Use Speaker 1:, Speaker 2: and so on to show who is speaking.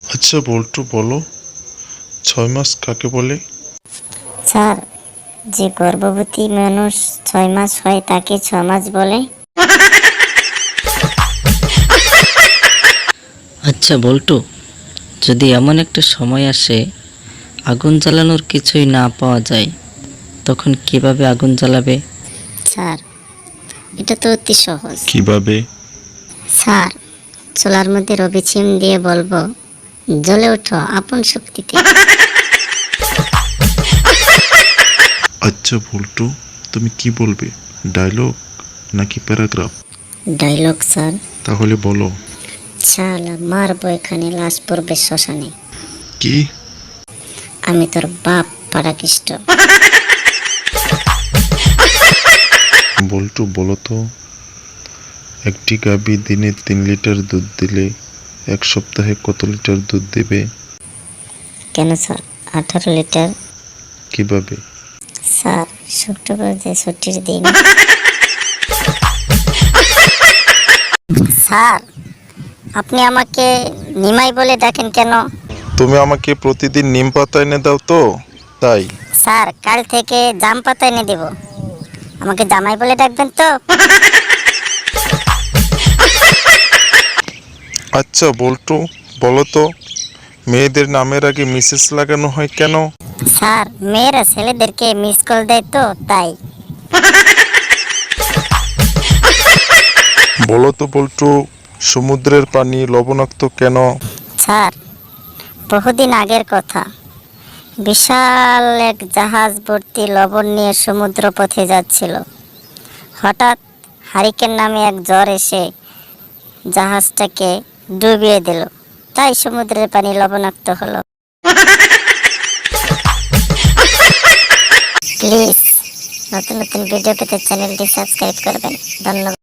Speaker 1: আচ্ছা বল্টু বলো, 6 মাস কাকে বলে?
Speaker 2: স্যার, যে গর্ভবতী মানুষ 6 মাস হয় তাকে 6 মাস বলে।
Speaker 3: আচ্ছা বল্টু, যদি এমন একটা সময় আসে আগুন জ্বালানোর কিছুই না পাওয়া যায়, তখন কিভাবে আগুন জ্বালাবে?
Speaker 2: স্যার, এটা তো অতি সহজ।
Speaker 1: কিভাবে?
Speaker 2: স্যার, চুলার মধ্যে রবি সিম দিয়ে বলবো, জ্বলে ওঠো আপন শক্তিতে।
Speaker 1: আচ্ছা বল্টু, তুমি কি বলবে, ডায়লগ নাকি প্যারাগ্রাফ?
Speaker 2: Dialogue sir.
Speaker 1: তাহলে বলো।
Speaker 2: শালা মারবো এখানে, লাশ পড়বে শ্মশানে।
Speaker 1: কি?
Speaker 2: আমি তোর বাপ পাড়াকিষ্ট।
Speaker 1: বল্টু বলো তো, একটি গাভী দিনে 3 লিটার দুধ দিলে 1 সপ্তাহে কত লিটার দুধ দেবে?
Speaker 2: কেন স্যার, 18 লিটার।
Speaker 1: কিভাবে?
Speaker 2: স্যার, শুক্রবার যে ছুটির দিন। স্যার, আপনি আমাকে নিমাই বলে ডাকেন কেন?
Speaker 1: তুমি আমাকে প্রতিদিন নিম পাতা এনে দাও তো, তাই।
Speaker 2: স্যার, কাল থেকে জাম পাতা এনে দেব। আমাকে জামাই বলে ডাকবেন তো?
Speaker 1: আচ্ছা বল্টু বলো তো, মেয়েদের নামের আগে মিসেস লাগানো হয় কেন?
Speaker 2: স্যার, মেয়েরা ছেলেদেরকে মিস কল দেয় তো, তাই।
Speaker 1: বলো তো বল্টু, সমুদ্রের পানি লবণাক্ত কেন?
Speaker 2: স্যার, বহুদিন আগের কথা। বিশাল এক জাহাজ ভর্তি লবণ নিয়ে সমুদ্র পথে যাচ্ছিল। হঠাৎ হারিকেন নামে এক ঝড় এসে জাহাজটাকে ডুবিয়ে দিল, তাই সমুদ্রের পানি লবণাক্ত হলো। প্লিজ নতুন নতুন ভিডিও পেতে চ্যানেলটি সাবস্ক্রাইব করবেন। ধন্যবাদ।